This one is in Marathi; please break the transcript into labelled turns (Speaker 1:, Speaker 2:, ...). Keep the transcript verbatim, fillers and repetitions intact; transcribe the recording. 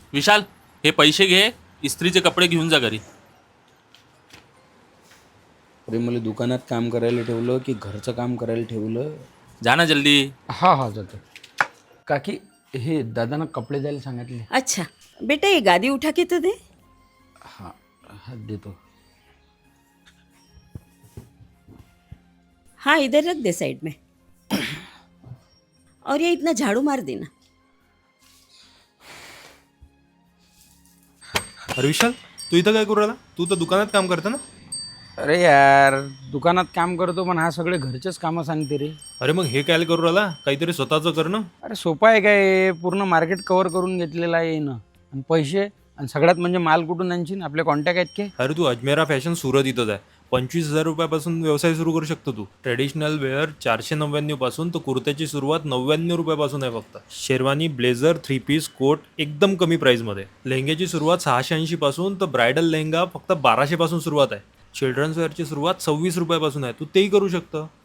Speaker 1: विशाल, हे पैसे घे, इस्त्रीचे कपडे घेऊन जा घरी.
Speaker 2: अरे मला दुकानात काम करायला ठेवलं की घरचं काम करायला ठेवलं.
Speaker 1: जा ना जल्दी.
Speaker 2: हा हा जातो. काकी हे दादांना कपडे द्यायला सांगितले.
Speaker 3: अच्छा बेटा, ये गादी उठा के तो दे.
Speaker 2: हा हा देतो.
Speaker 3: हाँ इधर रख दे साइड में. और ये इतना झाड़ू मार देना.
Speaker 4: अरे विशाल, तू इथं काय करू राहिला? तू तर दुकानात काम करता ना?
Speaker 2: अरे यार दुकानात काम करतो पण हा सगळे घरचेच कामं सांगते रे.
Speaker 4: अरे मग हे काय करू राहिला? काहीतरी स्वतःचं कर ना.
Speaker 2: अरे सोपं आहे काय, पूर्ण मार्केट कव्हर करून घेतलेलं आहे ना. आणि पैसे आणि सगळ्यात म्हणजे माल कुठून आणशील, आपले कॉन्टॅक्ट आहेत काय.
Speaker 4: अरे तू अजमेरा फॅशन सुरत इथंच आहे. पंचवीस हजार रुपयापासून व्यवसाय सुरू करू शकतो तू. ट्रेडिशनल वेअर चारशे नव्याण्णव पासून तर कुर्त्याची सुरुवात नव्याण्णव रुपयापासून आहे फक्त. Sherwani, blazer, three piece, coat एकदम कमी प्राईसमध्ये. लेहंग्याची सुरुवात सहाशे ऐंशी पासून तर ब्रायडल लेहंगा फक्त बाराशे पासून सुरुवात आहे. चिल्ड्रन्स वेअरची सुरुवात सव्वीस रुपयापासून आहे. तू तेही करू शकतं.